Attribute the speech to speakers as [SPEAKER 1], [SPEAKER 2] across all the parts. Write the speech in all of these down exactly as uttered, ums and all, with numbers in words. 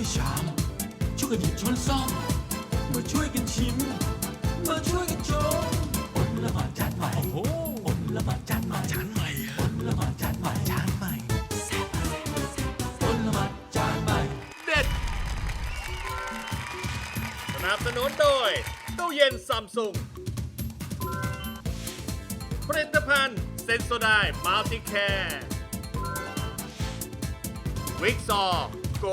[SPEAKER 1] วยชามช่วยกันหยิบช้อนซ่อมมาช่วยกันชิมมาช่วยกันชมอดละหมาดจานใหม่โอ้อดละหมาดจานใหม่จานใหม่อดละหมาดจานใหม่จานใหม่อดละหมาดจานใหม่เด็ด
[SPEAKER 2] สนับสนุนโดยตู้เย็นซัมซุงผลิตภัณฑ์เซนโซไดมัลติแคร์วิกซอโก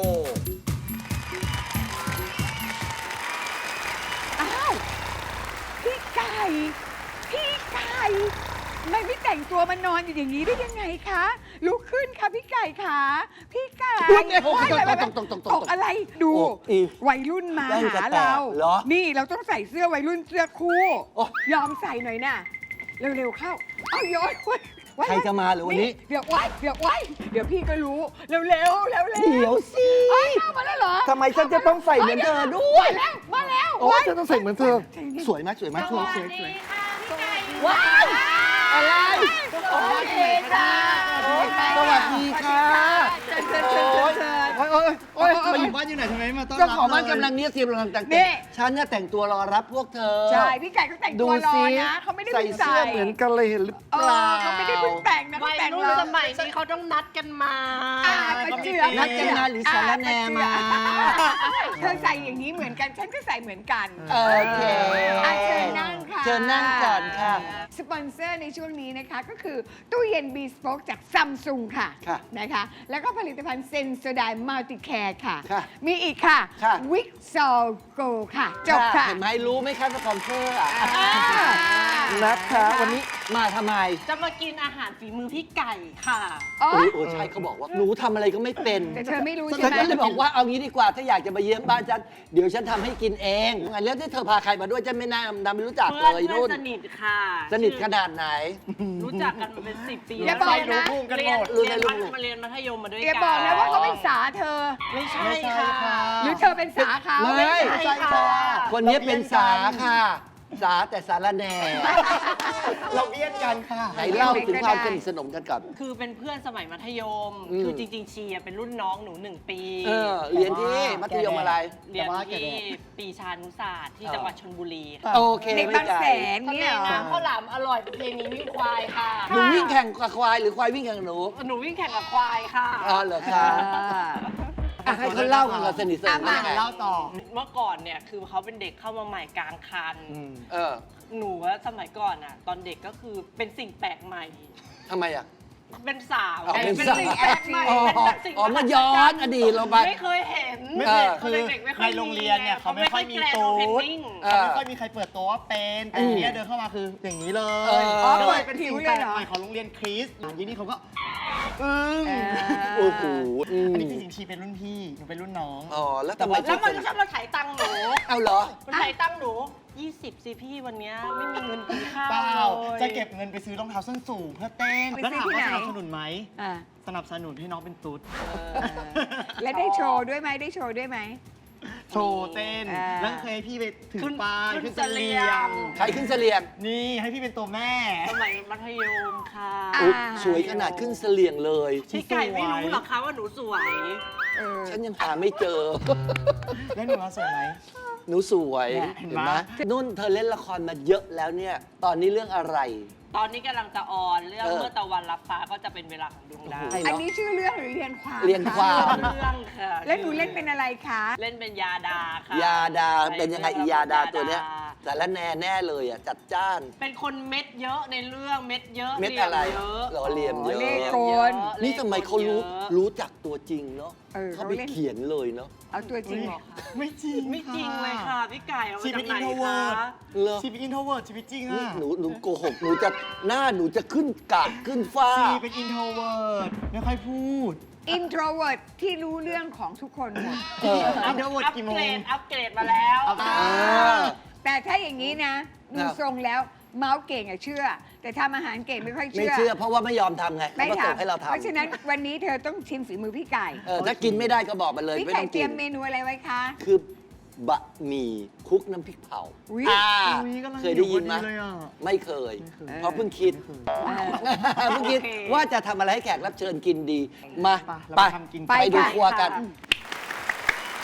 [SPEAKER 3] อ้าวพี่ไก่พี่ไก่ทำไมไม่แต่งตัวมานอนอยู่อย่างนี้ได้ยังไงคะลุกขึ้นค่ะพี่ไก่ค่ะพี่ไก่
[SPEAKER 4] ลุกเนี่ยโอ้โห
[SPEAKER 3] ว้ายอะไร
[SPEAKER 4] ตกตกตกตก
[SPEAKER 3] ตกอะไรดู
[SPEAKER 4] โอ้อี
[SPEAKER 3] วัยรุ่นมา
[SPEAKER 4] แว่นจะ
[SPEAKER 3] หา
[SPEAKER 4] แตก
[SPEAKER 3] เรา
[SPEAKER 4] เหรอ
[SPEAKER 3] นี่เราต้องใส่เสื้อวัยรุ่นเสื้อคู่
[SPEAKER 4] โอ้
[SPEAKER 3] ยอมใส่หน่อยน่ะเร็วๆเข้าเอาย้อยไว้ไว้
[SPEAKER 4] ใครจะมาหรือวันนี้
[SPEAKER 3] เดี๋ยวไว้เดี๋ยวไว้เดี๋ยวพี่ก็รู้เร็วๆเร็วๆเร็ว
[SPEAKER 4] เดี๋ยวสิ
[SPEAKER 3] เอ้ยเข้ามาแล้วเหรอ
[SPEAKER 4] ทำไมฉันจะต้องใส่เหมือนเธอด้วย
[SPEAKER 3] มาแล้วมาแล้ว
[SPEAKER 4] โอ้
[SPEAKER 3] ไว้
[SPEAKER 4] ฉันต้องใส่เหมือนเธอ สวยไหมสวยไหมสวยสวยสวย
[SPEAKER 3] ว้าวอะไรโอเคค่ะ
[SPEAKER 4] สวัสดีค่ะ
[SPEAKER 3] เชิญเชิญเชิญเชิญเชิญ
[SPEAKER 4] โอ้ยโอ้ยโอ้ย
[SPEAKER 5] มาอยู่บ้านอยู่ไหนทำไมไม่มาต้อนรับ
[SPEAKER 4] เจ้าของบ้าน
[SPEAKER 5] เลย
[SPEAKER 4] กำลังเนี้ยเตรียมกำลังแต่ง
[SPEAKER 3] นี่
[SPEAKER 4] ฉันเนี่ยแต่งตัวรอรับพวกเธอ
[SPEAKER 3] ใช่พี่ไก่เขาแต่ง
[SPEAKER 4] ดู
[SPEAKER 3] ตัวรอ
[SPEAKER 4] สิ
[SPEAKER 3] นะเขาไม่ได้
[SPEAKER 4] ใส่
[SPEAKER 3] เพิ่ง
[SPEAKER 4] เสื้อเหมือนกันเลยเห็นหรือ
[SPEAKER 3] เอ
[SPEAKER 4] เปล่า
[SPEAKER 3] อเขาไม่ได้เพิ่งแต่งนะเขา
[SPEAKER 6] วัย
[SPEAKER 3] แต่ง
[SPEAKER 6] รุ่น
[SPEAKER 3] รอ
[SPEAKER 6] สมัยนี้เขาต้องนัดกันมา
[SPEAKER 3] อ่าประเจือ
[SPEAKER 4] นัดกันมาหรือสารแนมา
[SPEAKER 3] เธอใส่อย่างนี้เหมือนกันฉันก็ใส่เหมือนกัน
[SPEAKER 4] โอเค
[SPEAKER 3] อ่ะเชิญนั่งค่ะ
[SPEAKER 4] เชิญนั่งก่อนค่ะ
[SPEAKER 3] สปอนเซอร์ในช่วงนี้นะคะก็คือตู้เย็น B Spoke จากซัมซุงค่ะ
[SPEAKER 4] ค่ะ
[SPEAKER 3] นะคะแล้วก็ผลิตภัณฑ์เซนโซไดมัลติแคร์ค่ะ
[SPEAKER 4] ค่ะ
[SPEAKER 3] มีอีกค่ะ
[SPEAKER 4] ค่ะ
[SPEAKER 3] วิกซอลโกค่ะ จบค่ะ
[SPEAKER 4] เห็นไหมรู้ไหมคะสปอนเซอร์อ่ะ
[SPEAKER 3] อ่า
[SPEAKER 4] นะคะวันนี้มาทำไม
[SPEAKER 6] จะมากินอาหารฝีมือพี่ไก่ค่ะ
[SPEAKER 3] อ๋อ
[SPEAKER 4] โอ้ยโอ้ยใช่เขาบอกว่าหนูทำอะไรก็ไม่เป็น
[SPEAKER 3] แต่เธอไม่รู้
[SPEAKER 4] ฉั
[SPEAKER 3] ใช่
[SPEAKER 4] น
[SPEAKER 3] ไหม
[SPEAKER 4] ก็เลยบอกว่าเอางี้ดีกว่าถ้าอยากจะมาเยี่ยมบ้านฉันเดี๋ยวฉันทำให้กินเองไงแล้วที่เธอพาใครมาด้วยฉันไม่น่านำไม่รู้จัก
[SPEAKER 6] เพื่
[SPEAKER 4] เล
[SPEAKER 6] อน
[SPEAKER 4] ย
[SPEAKER 6] เพื่อ
[SPEAKER 4] นู่
[SPEAKER 6] น
[SPEAKER 4] น
[SPEAKER 6] สนิทค่ะ
[SPEAKER 4] สนิทขนาดไหน
[SPEAKER 6] รู้จักกันมาเป็นสิบปี
[SPEAKER 3] อย่าบอกนะ
[SPEAKER 6] เรียน
[SPEAKER 4] รู้
[SPEAKER 6] เรียน
[SPEAKER 4] รู้
[SPEAKER 6] มัธมาเรียนมัธยมมาด้วย
[SPEAKER 3] อย่า
[SPEAKER 6] กัน
[SPEAKER 3] บอกนะว่าเขาเป็นสาเธอ
[SPEAKER 6] ไม่ใช่
[SPEAKER 5] ไม่ใช่
[SPEAKER 6] ค่ะ
[SPEAKER 5] ค่ะ
[SPEAKER 3] หรือเธอเป็นสาเขา
[SPEAKER 4] ไม่
[SPEAKER 6] ใช่ค่ะ
[SPEAKER 4] คนนี้เป็นสาค่ะ สาแต่สารแหน่
[SPEAKER 5] เราเบี้ยนกันค่ะ
[SPEAKER 4] ไหนเล่าถึงความสนิทสนมกันก่อน
[SPEAKER 6] คือเป็นเพื่อนสมัยมัธยม
[SPEAKER 4] อืม
[SPEAKER 6] คือจริงๆชีอะเป็นรุ่นน้องหนูหนึ่งปี
[SPEAKER 4] เออเรียนที่มัธยมอะไร
[SPEAKER 6] เรียน
[SPEAKER 5] แต่ว่าแก
[SPEAKER 6] ที่
[SPEAKER 5] แดด
[SPEAKER 6] ปีชานุศาสตร์ที่
[SPEAKER 4] อ๋อ
[SPEAKER 6] จังหวัดชลบุรี
[SPEAKER 4] โอเค
[SPEAKER 3] เด็ก
[SPEAKER 4] ไม่
[SPEAKER 3] บาง
[SPEAKER 4] ไกล
[SPEAKER 3] แสน
[SPEAKER 6] ทะ
[SPEAKER 3] เนี่
[SPEAKER 6] เลย
[SPEAKER 3] เหรอ
[SPEAKER 6] น้ำข้าวหลามอร่อยประเพณีวิ่งควายค่ะ
[SPEAKER 4] หนูวิ่งแข่งกับควายหรือควายวิ่งแข่งกับหนู
[SPEAKER 6] หนูวิ่งแข่งกับควายค่ะ
[SPEAKER 4] อ๋อเหรอคะอ่ะให้เขาเล่ากันเราสนิทสนมกันยังไง
[SPEAKER 5] เล่าต่อ
[SPEAKER 6] เมื่อก่อนเนี่ยคือเขาเป็นเด็กเข้ามาใหม่กลางคัน
[SPEAKER 4] เออ
[SPEAKER 6] หนูว่าสมัยก่อนอ่ะ ตอนเด็กก็คือเป็นสิ่งแปลกใหม่
[SPEAKER 4] ทำไมอ่ะ
[SPEAKER 6] เป็นสาว
[SPEAKER 4] อ๋อเป็น
[SPEAKER 6] เป็น
[SPEAKER 4] สาว
[SPEAKER 6] สิ่งแปลกใหม่
[SPEAKER 4] อ๋อ
[SPEAKER 6] เป็นสิ่ง
[SPEAKER 4] อ๋อมาย้อนอดีตเราไป
[SPEAKER 6] ไม่เคยเห็น
[SPEAKER 5] ไม่
[SPEAKER 4] เอ
[SPEAKER 5] เคย
[SPEAKER 4] อ
[SPEAKER 5] คือ
[SPEAKER 6] เด็กๆไม่ค่
[SPEAKER 5] ใน
[SPEAKER 6] อย
[SPEAKER 5] โรงเรียนเนี่ยเขาไม่ค่อยมี
[SPEAKER 6] แกรนด์
[SPEAKER 5] ตู
[SPEAKER 6] โอเพน
[SPEAKER 5] ด
[SPEAKER 6] นิ่ง
[SPEAKER 4] เออ
[SPEAKER 5] เขาไม่ค่อยมีใครเปิดตัวว่าเป็นแต่
[SPEAKER 4] อืม
[SPEAKER 5] ทีเนี้ยเดินเข้ามาคืออย่างนี้เล
[SPEAKER 4] เอย อ
[SPEAKER 3] อ๋อ
[SPEAKER 5] ก็
[SPEAKER 3] เปิ
[SPEAKER 5] เล
[SPEAKER 3] ด
[SPEAKER 5] ยเป็น
[SPEAKER 3] ผิ
[SPEAKER 5] สิ่
[SPEAKER 3] ว
[SPEAKER 5] ง
[SPEAKER 3] เล
[SPEAKER 5] แปล
[SPEAKER 3] ย
[SPEAKER 5] ก
[SPEAKER 3] เหรอ
[SPEAKER 5] ใหม่ของโรงเรียนคริสต์อย่างนี้เขาก็อึ้ง
[SPEAKER 3] เออ
[SPEAKER 4] โอ้โหอืม
[SPEAKER 5] อันนี้จริงๆชีเป็นรุ่นพี่หนูเป็นรุ่นน้อง
[SPEAKER 4] อ๋อแล้วทำไม
[SPEAKER 6] แล้วมันชอบมาถ่ายตังค์หนู
[SPEAKER 4] เอาเหรอ
[SPEAKER 6] มันถ่ายตังค์หนูยี่สิบสิพี่วันเนี้ยไม่มีเงินกินข้าว
[SPEAKER 5] เปล่า
[SPEAKER 6] เลย
[SPEAKER 5] จะเก็บเงินไปซื้อรองเท้าส้นสูงเพื่อเต้น
[SPEAKER 3] ไป
[SPEAKER 5] แล้ว
[SPEAKER 3] ซื้อ
[SPEAKER 5] ถาม
[SPEAKER 3] ที่
[SPEAKER 5] ว่า
[SPEAKER 3] ไหน
[SPEAKER 5] สนับสนุนไหม
[SPEAKER 3] อ่ะ
[SPEAKER 5] สนับสนุนให้น้องเป็นตุ๊ด
[SPEAKER 3] และได้โชว์ด้วยไหมได้โชว์ด้วยไหม
[SPEAKER 5] โชว์เต้น
[SPEAKER 3] อ่า
[SPEAKER 5] แล้วเคยให้พี่ไปถือ
[SPEAKER 6] ขึ้น
[SPEAKER 5] ป้าย
[SPEAKER 6] ขึ้
[SPEAKER 5] ขึ้
[SPEAKER 6] น
[SPEAKER 5] น
[SPEAKER 6] เส
[SPEAKER 5] เส
[SPEAKER 6] ลี
[SPEAKER 5] ลี
[SPEAKER 6] ย
[SPEAKER 5] ย
[SPEAKER 6] ง
[SPEAKER 5] ง
[SPEAKER 4] ใครขึ้นเสลียง
[SPEAKER 5] นี่ให้พี่เป็นตัวแม่
[SPEAKER 6] สมัยมัธยมค่ะ
[SPEAKER 3] อ่ะ
[SPEAKER 4] อุ๊ยสวยขนาดขึ้นเสลียงเลย
[SPEAKER 6] พี่ไก่ไม่รู้หรอกคะว่าหนูสวย
[SPEAKER 3] เออ
[SPEAKER 4] ฉันยังหาไม่เจอ
[SPEAKER 5] แล้วหนูมาสวยไหม
[SPEAKER 4] หนูสวย
[SPEAKER 5] เนี่ย
[SPEAKER 4] เห็น
[SPEAKER 5] เห็น
[SPEAKER 4] ไหม
[SPEAKER 5] ไหม
[SPEAKER 4] นุ่นเธอเล่นละครมาเยอะแล้วเนี่ย ตอนนี้เรื่องอะไร
[SPEAKER 6] ตอนนี้กำลังจะออนเรื่อง
[SPEAKER 4] เออ
[SPEAKER 6] เมื่อตะวันรับฟ้าก็จะเป็นเวลาของดวงดาว
[SPEAKER 4] โอ้โห
[SPEAKER 3] อันนี้ชื่อเรื่องหรือเรียนความ
[SPEAKER 4] เรียนความ
[SPEAKER 6] เรื่องค่ะ
[SPEAKER 3] แล้วหนูเล่นเป็นอะไรคะ
[SPEAKER 6] เล่นเป็นยาดาค่ะ
[SPEAKER 4] ยาดาเป็นยังไงอียาดาตัวเนี้ย
[SPEAKER 6] ยาดา
[SPEAKER 4] สารแน่แน่เลยอ่ะจัดจ้าน
[SPEAKER 6] เป็นคนเม็ดเยอะในเรื่องเม็ดเยอะ
[SPEAKER 4] เม็ดอะไร
[SPEAKER 6] เยอะ
[SPEAKER 4] หล่อเหลี่ยมเยอะ
[SPEAKER 3] เลขโกน
[SPEAKER 4] นี่ทำไมเขารู้รู้จักตัวจริงเนาะ
[SPEAKER 3] เออ
[SPEAKER 4] เขา
[SPEAKER 3] เขา
[SPEAKER 4] ไป
[SPEAKER 3] เล่น
[SPEAKER 4] เขียนเลยเนาะ
[SPEAKER 3] เอาตัวจริงเหรอ
[SPEAKER 5] ไม่จริง
[SPEAKER 6] ไม่จริงเลยค่ะพี่ไก่เอามา
[SPEAKER 5] ชีเป็
[SPEAKER 6] จาก
[SPEAKER 5] น
[SPEAKER 6] ไหน
[SPEAKER 5] introvert
[SPEAKER 6] คะ
[SPEAKER 4] เหรอ
[SPEAKER 5] ชีเป็นอินโทรเวิร์ดชีวิตจริง
[SPEAKER 4] นี่
[SPEAKER 5] อะ
[SPEAKER 4] หนูหนูโกหกหนูจะหน้าหนูจะขึ้นกาดขึ้นฟ้า
[SPEAKER 5] ชีเป็นอินโทรเวิร์ดไม่ค่อยพูด
[SPEAKER 3] introvert ที่รู้เรื่องของทุกคนหมด
[SPEAKER 4] เออ
[SPEAKER 5] อินโทรเวิร์ด
[SPEAKER 6] อัป
[SPEAKER 5] กี่โม
[SPEAKER 6] เกรง ดอัปเกรดมาแล้ว
[SPEAKER 5] เอา
[SPEAKER 4] อ่า
[SPEAKER 3] แต่ถ้าอย่างนี้นะ ดู
[SPEAKER 4] ครับ
[SPEAKER 3] ทรงแล้วเมาส์เก่งอะเชื่อ แต่ทำอาหารเก่งไม่ค่อย
[SPEAKER 4] ไม่
[SPEAKER 3] เชื่อ
[SPEAKER 4] เชื่อเพราะว่าไม่ยอมทำไง
[SPEAKER 3] ไม่
[SPEAKER 4] เขาก็
[SPEAKER 3] ท
[SPEAKER 4] ส่งให้เรา
[SPEAKER 3] ำ
[SPEAKER 4] ทำ
[SPEAKER 3] เพราะฉะนั้นวันนี้เธอต้องชิมฝีมือพี่ไก่
[SPEAKER 4] เออถ้ากินไม่ได้ก็บอกมาเลย
[SPEAKER 3] พี่
[SPEAKER 4] ไม่
[SPEAKER 3] ไก่
[SPEAKER 4] ต้อง
[SPEAKER 3] เตรี
[SPEAKER 4] กิ
[SPEAKER 3] ย
[SPEAKER 4] น
[SPEAKER 3] มเมนูอะไรไว้คะ
[SPEAKER 4] คือบะหมี่คลุกน้ำพริกเผา
[SPEAKER 3] อุ๊ย
[SPEAKER 4] อ่า
[SPEAKER 5] อุ๊ยกำลัง
[SPEAKER 4] เคยได้ยินไหม
[SPEAKER 5] หิวพอดีเลยอะ
[SPEAKER 4] ไม่เคย
[SPEAKER 5] ไม่เคย
[SPEAKER 4] เพราะเพิ่งคิด เพิ่งคิด
[SPEAKER 6] โอเค
[SPEAKER 4] ว่าจะทำอะไรให้แขกรับเชิญกินดี มา
[SPEAKER 5] ไปเรา
[SPEAKER 4] ไป
[SPEAKER 5] ไปทำกิน
[SPEAKER 4] ไปดู
[SPEAKER 3] ไปค่ะ
[SPEAKER 4] ครัวกัน
[SPEAKER 3] ค่ะ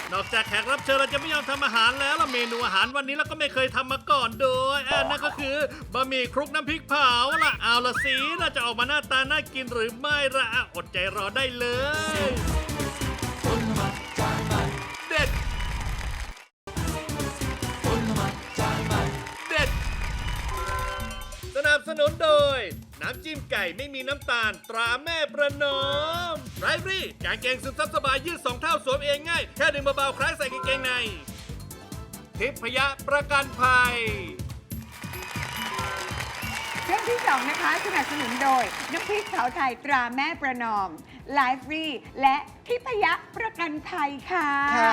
[SPEAKER 2] นอกจากแขกรับเชิญเราจะไม่ยอมทำอาหารแล้วล่ะเมนูอาหารวันนี้เราก็ไม่เคยทำมาก่อนโดยอ่านั่นก็คือบะหมี่คลุกน้ำพริกเผาล่ะเอาละสิน่าจะออกมาหน้าตาน่ากินหรือไม่ล่ะอ่ะอดใจรอได้เลยเด็ดเด็ดสนับสนุนโดยน้ำจิ้มไก่ไม่มีน้ำตาลตราแม่ประนอมไรฟรี่กางเกงซึมซับสบายยืดสองเท่าสวมเองง่ายแค่ดึงเบาๆคล้ายใส่กางเกงในทิพยะประกันภัย
[SPEAKER 3] เรื่องที่สองนะคะสนับสนุนโดยน้ำพริกเผาไทยตราแม่ประนอมไลฟ์ฟรีและทิพยะประกันภัยค่ะ
[SPEAKER 4] ค่ะ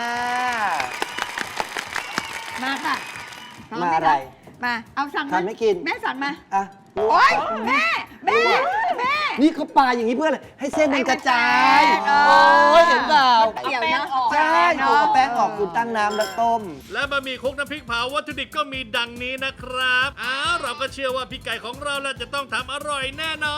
[SPEAKER 3] มาค่ะพร้
[SPEAKER 4] มา
[SPEAKER 3] ห
[SPEAKER 4] อะไร
[SPEAKER 3] มา เอาสั่ง
[SPEAKER 4] ทานไม่กิน
[SPEAKER 3] แม่สั่งมา
[SPEAKER 4] อ่ะ
[SPEAKER 3] โอ๊ยแม่แม่แม่
[SPEAKER 4] นี่เขาปลาอย่างนี้เพื่ออะไรให้เส้นมันกระจาย
[SPEAKER 3] ให้มันแตก
[SPEAKER 4] โอ้ยเห็นเปล่า
[SPEAKER 3] เกี่ยวเนาะ
[SPEAKER 4] ใช่เอาแป้งออกคุณตั้งน้ำแล้วต้ม
[SPEAKER 2] และบะหมี่คลุกน้ำพริกเผาวัตถุดิบก็มีดังนี้นะครับอ้าวเราก็เชื่อว่าพี่ไก่ของเราแล้วจะต้องทำอร่อยแน่นอน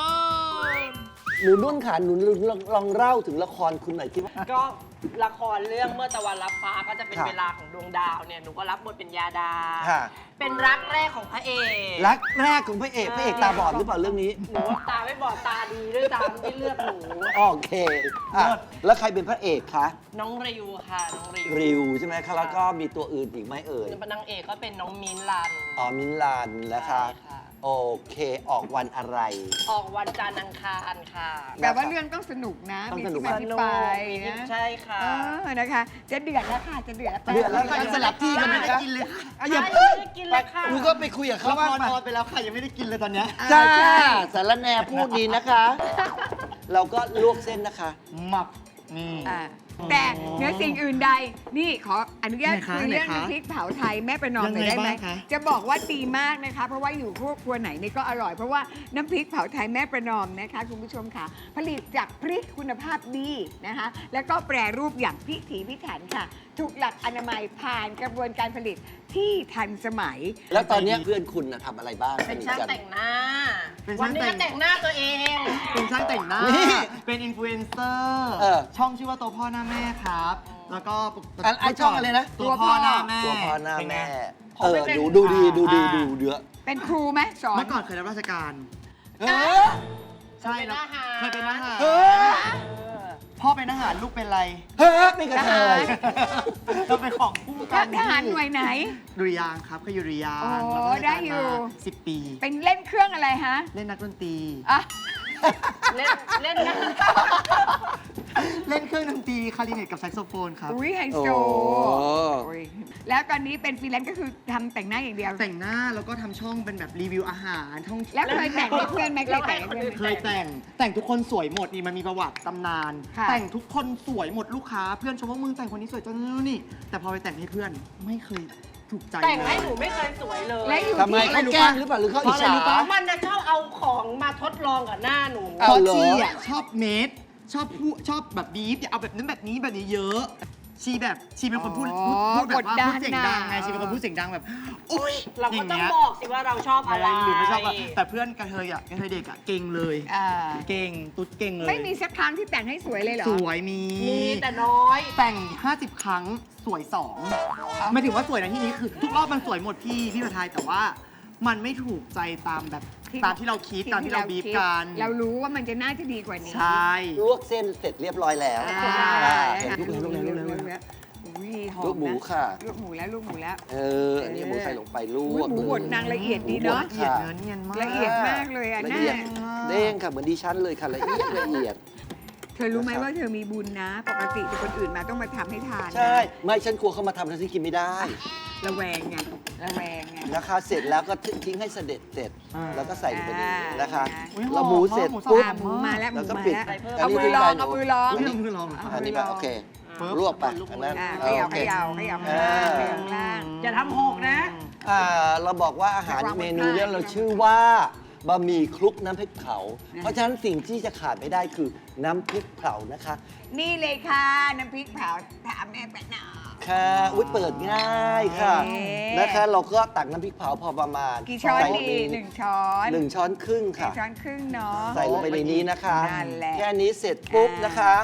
[SPEAKER 4] หนูนุ่นขาหนูลองลองเล่าถึงละครคุณหน่อยที่ว่า
[SPEAKER 6] ก็ละครเรื่องเมื่อตะวันรับฟ้าก็จะเป็น
[SPEAKER 4] ครับ
[SPEAKER 6] เวลาของดวงดาวเนี่ยหนูก็รับบทเป็นยาดา
[SPEAKER 4] ค่ะ
[SPEAKER 6] เป็นรักแรกของพระเอก
[SPEAKER 4] รักแรกของพระเอกพระเอกตาบอดหรือเปล่าเรื่องนี้
[SPEAKER 6] หนูว่าตาไม่บอดตาดีด้วยตามที่เลือกหนู
[SPEAKER 4] โอเคอ่ะแล้วใครเป็นพระเอกคะ
[SPEAKER 6] น้องริวค่ะน้องริว
[SPEAKER 4] ริวใช่ไหมคะแล้วก็มีตัวอื่นอีกไหมเอ่ย
[SPEAKER 6] นางเอกก็เป็นน้องมิ้นท์ลัน
[SPEAKER 4] อ๋อมินลานนะคะ
[SPEAKER 6] ใช่ค่ะ
[SPEAKER 4] โอเคออกวันอะไร
[SPEAKER 6] ออกวันจันทร์อังคารค่ะ
[SPEAKER 3] แต่ว่าเรื่องต้องสนุกนะ
[SPEAKER 4] ต้อง
[SPEAKER 3] มี
[SPEAKER 4] สนุ
[SPEAKER 3] ที่
[SPEAKER 4] ก
[SPEAKER 3] มาที่ไป
[SPEAKER 6] มีที่
[SPEAKER 3] นะ
[SPEAKER 6] ใช่ค่ะ
[SPEAKER 3] เออนะคะ จะเดือดแล้วค่ะจะเดือด
[SPEAKER 4] เดือดแล้วค่ะจะสลับที่กันไหมคะ
[SPEAKER 5] กินเลยค่ะ
[SPEAKER 4] อ่ะอย่า
[SPEAKER 6] ไม่ได้กินเลยค่ะ
[SPEAKER 4] หนูก็ไปคุยกับเขา
[SPEAKER 5] ละค
[SPEAKER 4] ว่าง
[SPEAKER 5] ร
[SPEAKER 4] มา
[SPEAKER 5] ออนไปแล้วค่ะ ยังไม่ได้กินเลยตอนเนี้ย
[SPEAKER 4] จ้าสารแหนพูดดีนะคะ เราก็ลวกเส้นนะคะ
[SPEAKER 5] หมับนี่
[SPEAKER 3] อ่าแต่เหนือสิ่งอื่นใด นี่ขออนุญาต
[SPEAKER 5] ไหนคะ
[SPEAKER 3] คุยเรื่อง
[SPEAKER 5] ไหนคะ
[SPEAKER 3] น้ำพริกเผาไทยแม่ประนอมหน่อย
[SPEAKER 5] ยังไง
[SPEAKER 3] ได้ไหม
[SPEAKER 5] บ้างคะ
[SPEAKER 3] จะบอกว่าดีมากนะคะ เพราะว่าอยู่ครัวครัวไหนนี่ก็อร่อย เพราะว่าน้ำพริกเผาไทยแม่ประนอมนะคะคุณผู้ชมค่ะ ผลิตจากพริกคุณภาพดีนะคะ แล้วก็แปรรูปอย่างพิถีพิถันค่ะ ถูกหลักอนามัยผ่านกระบวนการผลิตที่ทันสมัย
[SPEAKER 4] แล้วตอนเนี้ยเพื่อนคุณน่ะทำอะไรบ้าง
[SPEAKER 6] เป็น
[SPEAKER 4] ส
[SPEAKER 6] ช่าง
[SPEAKER 4] กั
[SPEAKER 6] แต่งหน้า
[SPEAKER 5] เป็น
[SPEAKER 6] วั
[SPEAKER 5] ช่าน ง
[SPEAKER 6] นี้
[SPEAKER 5] แต่
[SPEAKER 6] ก็
[SPEAKER 5] ง
[SPEAKER 6] แต่งหน้าตัวเอง
[SPEAKER 5] เป็นช่างแต่งหน้า
[SPEAKER 4] นี่
[SPEAKER 5] เป็นอินฟลูเอนเซอร์
[SPEAKER 4] เออ
[SPEAKER 5] ช่องชื่อว่าตัวพ่อหน้าแม่ครับ แล้วก็
[SPEAKER 4] อ่ะไอ้ช่องอะไรนะ
[SPEAKER 5] ตัวพ่อหน้าแม่
[SPEAKER 4] ตัวพ่อหน้า
[SPEAKER 5] เป็นไง
[SPEAKER 4] แม่
[SPEAKER 6] ขอ
[SPEAKER 4] เออ
[SPEAKER 6] ไปเป็น
[SPEAKER 4] ดูดูดีดูดี
[SPEAKER 5] อ่า
[SPEAKER 4] ดูเยอะ
[SPEAKER 3] เป็นครูไหมสอน
[SPEAKER 5] เมื่อก่อนเคยรับราชการ
[SPEAKER 4] เออ
[SPEAKER 5] ใช่
[SPEAKER 6] เป็น
[SPEAKER 5] แล้ว
[SPEAKER 6] ทหาร
[SPEAKER 5] เคยเป็นทหาร
[SPEAKER 4] เออ
[SPEAKER 5] พ่อเป็นทหารลูกเป็นอะไร
[SPEAKER 4] เฮ้ยไม่กระเทย
[SPEAKER 5] เราเป็นของคู่กัน
[SPEAKER 3] ทหารหน่วยไหน
[SPEAKER 5] ดุริยางค์ครับเคยอยู่ดุริยาง
[SPEAKER 3] โอ้
[SPEAKER 5] ค์รับราชการ
[SPEAKER 3] ได้อยู่
[SPEAKER 5] มาสิบปี
[SPEAKER 3] เป็นเล่นเครื่องอะไรฮะ
[SPEAKER 5] เล่นนักดนตรี
[SPEAKER 3] อ่ะ
[SPEAKER 6] เล่นเล่นนะ
[SPEAKER 5] เล่นเครื่องดนตรีคลาริเนตกับแซกโซโฟนครับ
[SPEAKER 3] อุ้ยไฮโซ
[SPEAKER 4] โอ้
[SPEAKER 3] โอ้ยแล้วตอนนี้เป็นฟรีแลนซ์ก็คือทำแต่งหน้าอย่างเดียว
[SPEAKER 5] แต่งหน้าแล้วก็ทำช่องเป็นแบบรีวิวอาหารท่องเที่ยว
[SPEAKER 3] แล้วเคยแต่งให้เพื่อนไหมเคยแต่งให้เพื่อนไหม
[SPEAKER 5] เคยแต่ง แต่งทุกคนสวยหมดนี่มันมีประวัติตำนาน
[SPEAKER 3] ค่ะ
[SPEAKER 5] แต่งทุกคนสวยหมดลูกค้า เพื่อนชมว่ามึงแต่งคนนี้สวยจังเลยนี่ แต่พอไปแต่งให้เพื่อนไม่เคยถูกใจ
[SPEAKER 6] แต่งให้
[SPEAKER 5] เลย
[SPEAKER 6] หนูไม่เคยสวยเลย
[SPEAKER 3] และอยู่
[SPEAKER 4] ทำไม
[SPEAKER 3] ที่
[SPEAKER 4] เขาแกล้งหรือเปล่าหรือเขาอิจฉา
[SPEAKER 6] มันนะชอบเอาของมาทดลองกับหน้าหนู
[SPEAKER 4] เอา
[SPEAKER 5] เพราะ
[SPEAKER 4] เหรอ
[SPEAKER 5] ชีอ่ะชอบเมดชอบพูดชอบแบบบีฟอย่าเอาแบบนั้นแบบนี้แบบนี้เยอะ ชีแบบชีเป็นคนพูดพูดพูดแบบว่าพูดเสียงดังไงชีเป็นคนพูดเสียงดังแบบอุ้ย
[SPEAKER 6] เราก็
[SPEAKER 5] ย่
[SPEAKER 6] ต้อง
[SPEAKER 5] ย
[SPEAKER 6] บอกสิว่าเราชอบอะไร
[SPEAKER 5] หรือไม่ชอบอะแต่เพื่อนกระเทยอ่ะกระเทยเด็กอ่ะเก่งเลย
[SPEAKER 3] อ่า
[SPEAKER 5] เก่งตุ๊ดเก่งเลย
[SPEAKER 3] ไม่มีสักครั้งที่แต่งให้สวยเลยเหรอ
[SPEAKER 5] สวยมี
[SPEAKER 6] มีแต่น้อย
[SPEAKER 5] แต่ง ห้าสิบ ครั้งสวยสองไม่ถึงว่าสวยในที่นี้คือ ทุกรอบมันสวยหมดพี่พี่ประทายแต่ว่ามันไม่ถูกใจตามแบบ
[SPEAKER 3] ที่
[SPEAKER 5] ตามที่เราคิดตามที่เราบีบกัน
[SPEAKER 3] เรารู้ว่ามันจะน่าจะดีกว่านี้
[SPEAKER 5] ใช่
[SPEAKER 4] ลวกเส้นเสร็จเรียบร้อยแล้ว
[SPEAKER 3] อ่า
[SPEAKER 4] อ่าเห็นลูกแล้วลูกแล้วลูกแล้วลูกแล้ว
[SPEAKER 3] อุ้ยหอม
[SPEAKER 4] ลูกหมู
[SPEAKER 3] นะ
[SPEAKER 4] ค่ะ
[SPEAKER 3] ลูกหมูแล้วลูกหมูแล้ว
[SPEAKER 4] เอออันนี้หมูใส่ลงไปล
[SPEAKER 3] อุ๊ยว
[SPEAKER 4] ก
[SPEAKER 3] หมูบดนางละเอียดดีเนาะ
[SPEAKER 5] ละเอียดเนื้อเนียนมาก
[SPEAKER 3] ละเอียดมากเลยอะ
[SPEAKER 4] ละ
[SPEAKER 3] น่า
[SPEAKER 4] เอียดเด้งค่ะเหมือนดิฉันเลยค่ะละเอียดละเอียด
[SPEAKER 3] เธอรู้ไหมว่าเธอมีบุญนะ ปกติแต่คนอื่นมาต้องมาทำให้ทานนะ
[SPEAKER 4] ใช่ ไม่ฉันกลัวเขามาทำแล้วฉันกินไม่ได้
[SPEAKER 3] ระแวงไงระแวงไง
[SPEAKER 4] นะคะ เสร็จแล้วก็ทิ้งให้เสด็จเสร็จ
[SPEAKER 5] อ่า
[SPEAKER 4] แล้วก็ใส่ลงไปในนี้นะคะ
[SPEAKER 3] อ่า
[SPEAKER 5] อุ๊ย
[SPEAKER 4] แล้วหมูเสร็จ
[SPEAKER 5] หอม
[SPEAKER 4] ปุ๊บ
[SPEAKER 3] อ่ะหมูมาแล้วห
[SPEAKER 4] แล้
[SPEAKER 3] มู
[SPEAKER 4] วก็
[SPEAKER 3] มา
[SPEAKER 4] ปิด
[SPEAKER 3] แล้ว
[SPEAKER 4] อัน
[SPEAKER 3] เอา
[SPEAKER 4] นี้
[SPEAKER 3] มือลอง
[SPEAKER 4] ที่
[SPEAKER 3] เอามือลอง
[SPEAKER 5] เรื่องมือลอง
[SPEAKER 4] อันนี้แบบโอเค
[SPEAKER 5] ปึ๊บ
[SPEAKER 4] รวบไปอันนั้น
[SPEAKER 3] อ่า
[SPEAKER 4] เอ
[SPEAKER 3] เข
[SPEAKER 4] อ
[SPEAKER 3] ย่า
[SPEAKER 4] โอ
[SPEAKER 3] เข
[SPEAKER 4] เค
[SPEAKER 3] ย่าเขย่า
[SPEAKER 4] อ่า
[SPEAKER 3] เขย่าล่าง
[SPEAKER 6] อย่าทำหกนะ
[SPEAKER 4] อ่าเราบอกว่าอาหารเมนูเนี้เราชื่อว่าบะหมี่คลุกน้ำพริกเผา เพราะฉะนั้นสิ่งที่จะขาดไม่ได้คือน้ำพริกเผานะคะ
[SPEAKER 3] นี่เลยค่ะ น้ำพริกเผาถามแม่แปะหน่อ
[SPEAKER 4] ค่ะอุ้ยเปิดง่ายค่ะ
[SPEAKER 3] เอ๊ะ
[SPEAKER 4] นะคะ เราก็ตักน้ำพริกเผาพอประมาณ
[SPEAKER 3] กี่ช้อน
[SPEAKER 4] ใส่ล
[SPEAKER 3] ดี
[SPEAKER 4] งไป
[SPEAKER 3] หนึ่งช้อน
[SPEAKER 4] หนึ่งช้อนครึ่ง
[SPEAKER 3] หนึ่
[SPEAKER 4] ค่ะ
[SPEAKER 3] งช้อนครึ่งเนาะ
[SPEAKER 4] ใส่ลงไปในนี้นะคะ
[SPEAKER 3] นั่นแหละ
[SPEAKER 4] แค่นี้เสร็จปุ๊บนะคะ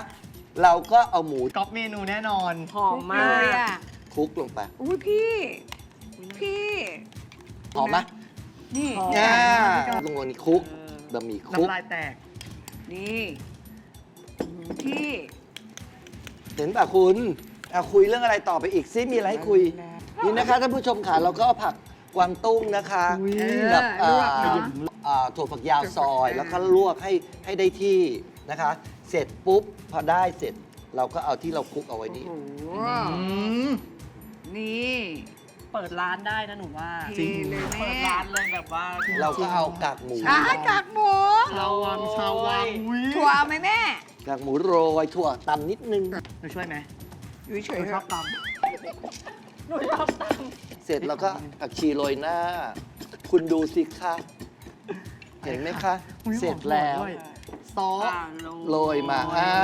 [SPEAKER 4] เราก็เอาหมู
[SPEAKER 5] ก๊อปเมนูแน่นอน
[SPEAKER 6] หอมมา
[SPEAKER 3] เลย
[SPEAKER 6] ก
[SPEAKER 3] อ่ะ
[SPEAKER 4] คลุกลงไป
[SPEAKER 3] อุ้ยพี่ พี่
[SPEAKER 4] หอมไหม
[SPEAKER 3] นี่
[SPEAKER 6] หอม
[SPEAKER 4] อ่าลงบนนี้คลุกบะหมี่คลุก
[SPEAKER 5] น้ำลายแตก
[SPEAKER 3] นี่อืมพี่
[SPEAKER 4] เห็นป่ะคุณเอาคุยเรื่องอะไรต่อไปอีกซิมีอะไรให้คุย นี่นะคะท่านผู้ชมค่ะเราก็เอาผักกวางตุ้งนะคะ
[SPEAKER 5] อุ๊ย
[SPEAKER 4] กับ
[SPEAKER 3] เออลวกเนอะ
[SPEAKER 4] อ่าถั่วฝักยาวซอย
[SPEAKER 3] เออ
[SPEAKER 4] แล้วก็ลวกให้ให้ได้ที่นะคะ เสร็จปุ๊บพอได้เสร็จ เราก็เอาที่เราคลุกเอาไว้นี่
[SPEAKER 3] โอ้โห
[SPEAKER 5] อืม
[SPEAKER 3] นี่
[SPEAKER 6] เปิดร้านได้นะหนูว่า
[SPEAKER 3] เทเลย
[SPEAKER 6] เปิ
[SPEAKER 3] แม่
[SPEAKER 6] ดร้านเลยแบบว่า
[SPEAKER 4] เราก็เอากากหมู
[SPEAKER 3] อ่ะกากหมู
[SPEAKER 5] ชาววังชาววังอุ๊ย
[SPEAKER 3] ถั่วเอาไหมแม่
[SPEAKER 4] กากหมูโรยถั่วตำนิดนึง
[SPEAKER 5] หนูช่วยไหม
[SPEAKER 3] อยู่เฉ
[SPEAKER 5] ห
[SPEAKER 3] ย
[SPEAKER 5] นู
[SPEAKER 3] ๆ
[SPEAKER 5] ชอบต
[SPEAKER 6] หนูชอบต
[SPEAKER 4] เสร็จแล้วก็ผักชีโรยหน้า คุณดูสิคะเห็นไหมคะ
[SPEAKER 5] ำอุ๊ย
[SPEAKER 4] เสร็จแล้ว
[SPEAKER 5] หอมด้วยซอ
[SPEAKER 6] ำ
[SPEAKER 5] ส
[SPEAKER 6] อ่า
[SPEAKER 4] โรยมาอ่า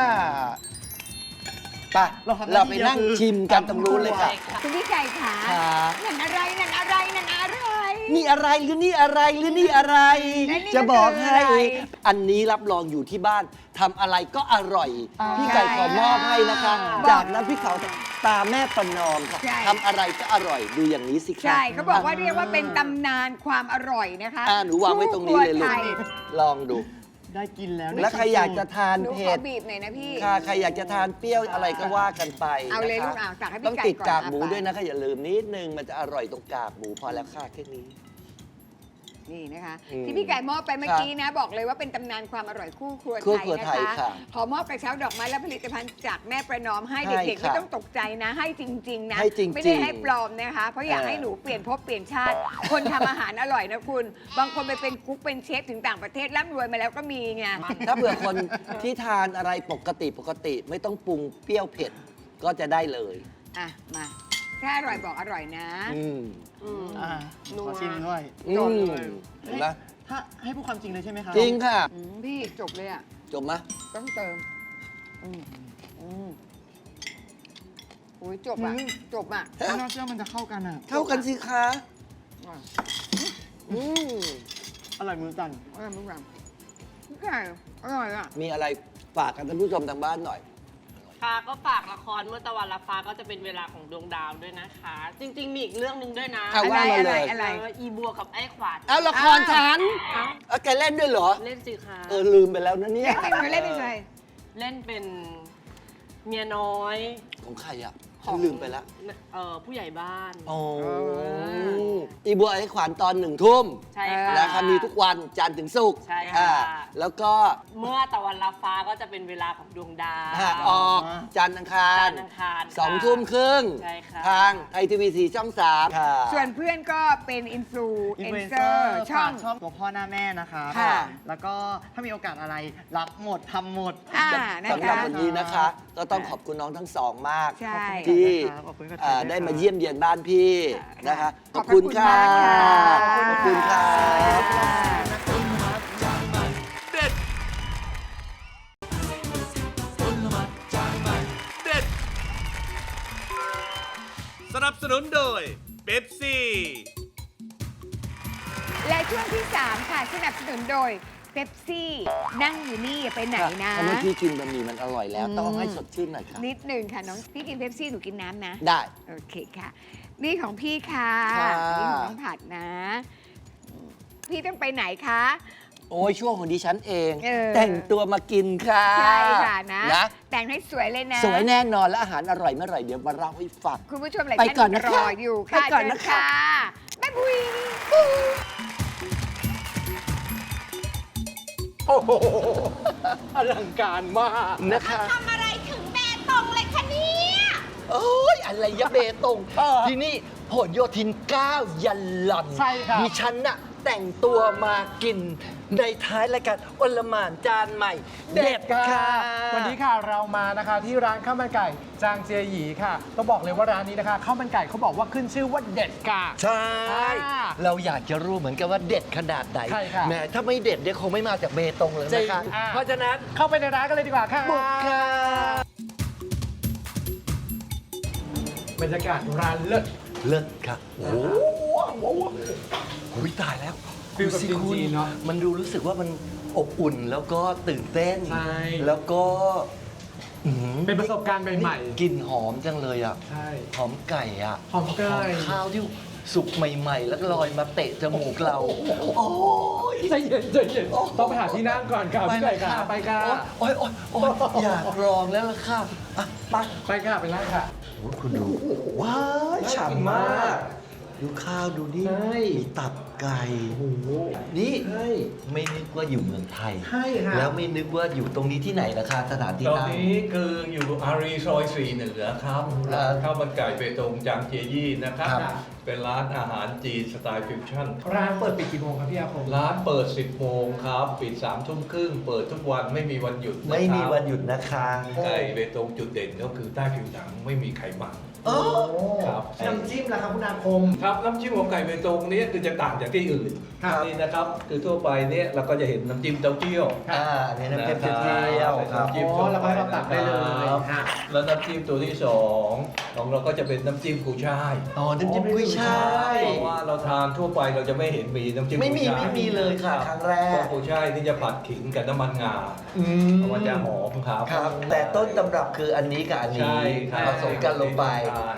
[SPEAKER 4] ไป
[SPEAKER 5] เราทำหน้า
[SPEAKER 4] เราไป
[SPEAKER 5] ที่เดียว
[SPEAKER 4] นั่ง
[SPEAKER 5] คือ
[SPEAKER 4] ชิมกันตรงนู้นเลยค่ะ
[SPEAKER 3] คุณพี่ไก่ขา
[SPEAKER 4] ค่ะ
[SPEAKER 3] นั่นอะไรนั่นอะไรนั่นอะไร
[SPEAKER 4] นี่อะไรหรือนี่อะไรหรือนี่อะไร
[SPEAKER 3] และนี่
[SPEAKER 4] จะบอกให้
[SPEAKER 3] คืออะไร
[SPEAKER 4] อันนี้รับรองอยู่ที่บ้านทำอะไรก็อร่อย
[SPEAKER 3] อ่า
[SPEAKER 4] พี่ไก่ขอมอบให้นะคะ
[SPEAKER 3] บอก
[SPEAKER 4] จากน้ำพริกเขาตาแม่ประนอมค่ะ
[SPEAKER 3] ใช่
[SPEAKER 4] ทำอะไรก็อร่อยดูอย่างนี้สิคะ
[SPEAKER 3] ใช่เขาบอกว่าเรียกว่าเป็นตำนานความอร่อยนะคะ
[SPEAKER 4] อ่าหนูวางไว้ตรงนี้เลยลู
[SPEAKER 3] คู่
[SPEAKER 4] ก
[SPEAKER 3] ครัวไท
[SPEAKER 4] ลองดู
[SPEAKER 5] ได้กินแล้ว
[SPEAKER 4] แล้วใครอยากจะทาน
[SPEAKER 3] หนูข
[SPEAKER 4] เผ็
[SPEAKER 3] อ
[SPEAKER 4] ด
[SPEAKER 3] บีบหน่อยนะพี่
[SPEAKER 4] ค่ะใครอยากจะทานเปรี้ยวอะไรก็ว่ากันไป
[SPEAKER 3] เอาเลย
[SPEAKER 4] นะคะ
[SPEAKER 3] ลูกเอาตักให้พี่
[SPEAKER 4] ต้อง
[SPEAKER 3] ไก่
[SPEAKER 4] ติด
[SPEAKER 3] ก่อน
[SPEAKER 4] กากหมู
[SPEAKER 3] อ่ะ
[SPEAKER 4] ด้วยนะคะอย่าลืมนิดนึงมันจะอร่อยตรงกากหมูพอแล้วค่ะแค่นี้
[SPEAKER 3] นี่นะคะ
[SPEAKER 4] อืม
[SPEAKER 3] ที่พี่ไก่มอบไปเมื่อกี้นะ บอกเลยว่าเป็นตำนานความอร่อยคู่ครัว
[SPEAKER 4] คู่
[SPEAKER 3] ไทย
[SPEAKER 4] ครัว
[SPEAKER 3] นะ
[SPEAKER 4] ไทย
[SPEAKER 3] คะ
[SPEAKER 4] ค่ะ
[SPEAKER 3] ขอมอบกระเช้าดอกไม้และผลิตภัณฑ์จากแม่ประนอมให้
[SPEAKER 4] ให้
[SPEAKER 3] เด็กๆ
[SPEAKER 4] ค่ะ
[SPEAKER 3] ไม่ต้องตกใจนะ ให้จริง ๆ นะ
[SPEAKER 4] ให้จริงๆ
[SPEAKER 3] ไม่ได้ให้ปลอมนะคะ เพราะอยาก
[SPEAKER 4] เออ
[SPEAKER 3] ให้หนูเปลี่ยนภพเปลี่ยนชาติ คนทำอาหารอร่อยนะคุณ บางคนไปเป็นกุ๊กเป็นเชฟถึงต่างประเทศร่ำรวยมาแล้วก็มีไง
[SPEAKER 4] ถ้าเผื่อคนที่ทานอะไรปกติปกติไม่ต้องปรุงเปรี้ยวเผ็ดก็จะได้เลย
[SPEAKER 3] อ่ะมาถ้าอร่อยบอกอร่อยนะ
[SPEAKER 4] อืม
[SPEAKER 6] อืม
[SPEAKER 5] อ่า
[SPEAKER 6] นัว
[SPEAKER 5] ขอชิมด้วย
[SPEAKER 4] อื
[SPEAKER 3] จบ
[SPEAKER 4] ม
[SPEAKER 3] เลย
[SPEAKER 4] เห็นไหม
[SPEAKER 5] ถ้าให้พูดความจริงเลยใช่ไหมคะ
[SPEAKER 4] จริงค่ะ
[SPEAKER 3] อืมพี่จบเลยอ่ะ
[SPEAKER 4] จบไหม
[SPEAKER 3] ต้องเติมอืมอืมอุ้ยจบอ่ะจบอ่ะ
[SPEAKER 5] ไม่น่าเชื่อมันจะเข้ากันอ่ะ
[SPEAKER 4] เท่ากันสิคะอืม
[SPEAKER 5] อร่อยมือสั่น
[SPEAKER 3] อร่อยมากพี่ไก่อร่อยอ่ะ
[SPEAKER 4] มีอะไรฝากกันท่านผู้ชมทางบ้านหน่อย
[SPEAKER 6] ค่ะก็ฝากละครเมื่อตะวันละฟ้าก็จะเป็นเวลาของดวงดาวด้วยนะคะ จริง ๆ มีอีกเรื่องหนึ่งด้วยนะ
[SPEAKER 4] เอา
[SPEAKER 3] อะไร
[SPEAKER 4] ว่ามา
[SPEAKER 3] อะ
[SPEAKER 4] เล
[SPEAKER 3] ไร
[SPEAKER 4] ย
[SPEAKER 3] อะไร
[SPEAKER 6] เอออีบัวกับไอ้ขวาน
[SPEAKER 4] เอาละครฉัน
[SPEAKER 6] เอ้า
[SPEAKER 4] เอาแกเล่นด้วยเหรอ
[SPEAKER 6] เล่นสิคะ
[SPEAKER 4] เออลืมไปแล้วนะเนี่ย
[SPEAKER 3] เล่นเป็นเล่นเป็นใคร
[SPEAKER 6] เล่นเป็นเมียน้อย
[SPEAKER 4] ของใครอ่ะ
[SPEAKER 3] ขอ
[SPEAKER 4] ฉั
[SPEAKER 3] ง
[SPEAKER 4] นลืมไปแล้ว
[SPEAKER 6] เอ่อผู้ใหญ่บ้าน
[SPEAKER 4] โอ้
[SPEAKER 3] เออ
[SPEAKER 4] อีบัวไอ้ขวัญตอนหนึ่งทุ่ม
[SPEAKER 6] ใช่ค่ะ
[SPEAKER 4] นะคะมีทุกวันจันทร์ถึงศุกร์
[SPEAKER 6] ใช่ค่ะ
[SPEAKER 4] อ่าแล้วก็
[SPEAKER 6] เมื่อตะวันละฟ้าก็จะเป็นเวลาของดวงดาว
[SPEAKER 4] หากออกจันทร์อังคาร
[SPEAKER 6] จันทร์อังคารค่ะ
[SPEAKER 4] สองทุ่มครึ่ง
[SPEAKER 6] ใช่ค่ะ
[SPEAKER 4] ทางไทยทีวีสีช่องสามค่ะ
[SPEAKER 3] ส่วนเพื่อนก็เป็นอินฟลู
[SPEAKER 5] อิน
[SPEAKER 3] เอ
[SPEAKER 5] ฟลู
[SPEAKER 3] น
[SPEAKER 5] เอน
[SPEAKER 3] เซ
[SPEAKER 5] เซ
[SPEAKER 3] อ
[SPEAKER 5] อ
[SPEAKER 3] ร์
[SPEAKER 5] ร์
[SPEAKER 3] ช่อง
[SPEAKER 5] ช่องตัวพ่อหน้าแม่นะคะ
[SPEAKER 3] ค่ะ
[SPEAKER 5] แล้วก็ถ้ามีโอกาสอะไรรับหมดทำหมด
[SPEAKER 3] อ่านะ
[SPEAKER 4] สำหรับ
[SPEAKER 3] คะ
[SPEAKER 4] วันนี้นะคะ ก็ต้องขอบคุณน้องทั้งสองมาก
[SPEAKER 3] ใช่
[SPEAKER 4] ที่
[SPEAKER 5] ขอบคุณครับ
[SPEAKER 4] เอ่อ
[SPEAKER 5] ขอบคุณครับ
[SPEAKER 4] ได้มาเยี่ยมเยียนบ้านพี่นะคะ
[SPEAKER 3] ขอบพระคุณมากค่ะ
[SPEAKER 4] ขอบคุณค่ะ
[SPEAKER 2] เด็ดเด็ด สนับสนุนโดยเบปซี่
[SPEAKER 3] และช่วงที่สามค่ะสนับสนุนโดยเ e ปซี่นั่งอยู่นี่อย่าไปไหนนะ
[SPEAKER 4] เพราะเมื่อกี้กินบะหมี่มันอร่อยแล้ว
[SPEAKER 3] อืม
[SPEAKER 4] ต้องให้สดชื่นหน่อยค่ะ
[SPEAKER 3] นิดหนึ่งค่ะน้องพี่กินเ e ปซี่หนูกินน้ำนะ
[SPEAKER 4] ได้
[SPEAKER 3] โอเคค่ะ นี่ของพี่ค่ะ
[SPEAKER 4] ค่ะ
[SPEAKER 3] นี่ของน้องผัดนะ พี่ต้องไปไหนคะ
[SPEAKER 4] โอ้ยช่วงของดิฉันเอง
[SPEAKER 3] เออ
[SPEAKER 4] แต่งตัวมากินค่ะ
[SPEAKER 3] ใช่ค่ะนะ
[SPEAKER 4] นะ
[SPEAKER 3] แต่งให้สวยเลยนะ
[SPEAKER 4] สวยแน่นอนและอาหารอร่อยเมื่อไหร่เดี๋ยวมาเล่าให้ฟัง
[SPEAKER 3] คุณผู้ชมหลาย
[SPEAKER 4] ไป
[SPEAKER 3] ท่าน
[SPEAKER 4] ก่อนนะคะ
[SPEAKER 3] รออยู่ค่ะ
[SPEAKER 4] ไปก่อนนะคะ
[SPEAKER 3] เชิญค่ะแม่บุย
[SPEAKER 4] โอ้โหอลังการมากนะคะ
[SPEAKER 3] ทำอะไรถึงแม่ตรงเลยคะเนี่ย
[SPEAKER 4] โอ้ยอะไรยะเบตงที่นี่ผลโยธินเก้ายันหล่อน
[SPEAKER 5] ใช่ครับ
[SPEAKER 4] ดิฉันน่ะแต่งตัวมากินในท้ายรายการอลหม่านจานใหม่ เด็ดค่ะ
[SPEAKER 7] วันนี้ค่ะเรามานะคะที่ร้านข้าวมันไก่จางเจียหยีค่ะต้องบอกเลยว่าร้านนี้นะคะข้าวมันไก่เขาบอกว่าขึ้นชื่อว่าเด็ดค่ะ
[SPEAKER 4] ใช่
[SPEAKER 7] อ่า
[SPEAKER 4] เราอยากจะรู้เหมือนกันว่าเด็ดขนาดไหน
[SPEAKER 7] ใช่ค่ะ
[SPEAKER 4] แหมถ้าไม่เด็ดเนี่ยคงไม่มาจากเบตงเลย
[SPEAKER 7] จริ
[SPEAKER 4] นะ
[SPEAKER 7] ง
[SPEAKER 4] คะ
[SPEAKER 7] อ่า
[SPEAKER 4] เพราะฉะนั้น
[SPEAKER 7] เข้าไปในร้านกันเลยดีกว่าค่ะ
[SPEAKER 4] บุกค่ะ
[SPEAKER 7] บรรยากาศร้านเลิศ
[SPEAKER 4] เลิศค่ะโอ้โหโอ้โหโอ้ยตายแล้ว
[SPEAKER 7] ฟิลแบบ
[SPEAKER 4] ดูสิคุณ
[SPEAKER 7] จีนๆเนอะ
[SPEAKER 4] มันดูรู้สึกว่ามันอบอุ่นแล้วก็ตื่นเต้น
[SPEAKER 7] ใช่
[SPEAKER 4] แล้วก็อื้อหือ
[SPEAKER 7] เป็นประสบการณ์ใหม่
[SPEAKER 4] กลิ่นหอมจังเลยอ่ะ
[SPEAKER 7] ๆใช่
[SPEAKER 4] หอมไก่อ่ะ
[SPEAKER 7] หอมไก่
[SPEAKER 4] ข้าวที่สุกใหม่ๆ แล้วลอยมาเตะจมูกเรา โอ้ย
[SPEAKER 7] ใจเย็นใจเย็นต้องไปหาที่นั่งก่อนค่ะพี่ไก่ค่ะไปค่ะ
[SPEAKER 4] โอ้ยโอ้ยโอ้ยอยากลองแล้วล่ะค่ะอ่ะไป
[SPEAKER 7] ไปค่ะไปนั่งค่ะ
[SPEAKER 4] โอ้ยคุณดู ว้ายฉ่ำมาก ดูข้าวดูนี่
[SPEAKER 7] ใช่
[SPEAKER 4] มีตับไก่
[SPEAKER 7] โอ้โห
[SPEAKER 4] นี่
[SPEAKER 7] ใช่
[SPEAKER 4] ไม่นึกว่าอยู่เมืองไทย
[SPEAKER 7] ใช่ค่ะ
[SPEAKER 4] แล้วไม่นึกว่าอยู่ตรงนี้ที่ไหนนะคะสถานที่
[SPEAKER 1] ตอน
[SPEAKER 4] นั่ง
[SPEAKER 1] นี้คืออยู่อารีซอยสี่เหนือครับ
[SPEAKER 4] ครับ
[SPEAKER 1] ร้านข้าวมันไก่เบตงจางเจยี่นะครับ
[SPEAKER 4] ครับ
[SPEAKER 1] เป็นร้านอาหารจีนสไตล์ฟิวชั่น
[SPEAKER 7] ร้านเปิดปิดกี่โมงครับพี่อาคม
[SPEAKER 1] ร้านเปิด สิบโมงครับ ปิดสามทุ่มครึ่ง เปิดทุกวันไม่มีวันหยุดนะครับ
[SPEAKER 4] ไม่มีวันหยุดนะคะ
[SPEAKER 1] ไก่เบตงจุดเด่นก็คือใต้ผิวหนังไม่มีไขมัน
[SPEAKER 4] โอ้
[SPEAKER 1] ครับ
[SPEAKER 7] น้ำจิ้มล่ะครับคุณอาคม
[SPEAKER 1] ครับน้ำจิ้มของไก่เบตงเนี้คือจะต่างจากที่อื่น
[SPEAKER 7] ครับ
[SPEAKER 1] นี่นะครับ คือทั่วไปเนี่ยเราก็จะเห็นน้ำจิ้มเต้าเจี้ยว
[SPEAKER 4] อ่าอันนี้น้ำจิ้มเที่ยวครับ
[SPEAKER 1] น้ำจิ้ม
[SPEAKER 7] อ๋อแล้วก็ให้เราตักได้เลย
[SPEAKER 1] ครับ
[SPEAKER 7] ฮะ
[SPEAKER 1] แล้วน้ำจิ้มตัวที่สองของเราก็จะเป็นน้ำจิ้มกุยช่าย
[SPEAKER 4] อ๋อน้ำจิ้มกุ้ยช่าย
[SPEAKER 1] เพราะว่าเราทานทั่วไปเราจะไม่เห็นมีน้ำจิ้ม
[SPEAKER 4] ไม่มี
[SPEAKER 1] กุยช่าย
[SPEAKER 4] ไม่มีเลยค่ะครั้งแร
[SPEAKER 1] เพ
[SPEAKER 4] ก
[SPEAKER 1] ราะกุยช่ายนี่จะผัดขิงกับน้ำมันงา
[SPEAKER 4] อืม
[SPEAKER 1] มันจะหอมครับ
[SPEAKER 4] ครับ แต่ต้นตำรับคืออันนี้กับอันนี้
[SPEAKER 1] ใช่ครับ
[SPEAKER 4] ผสมกันลงไป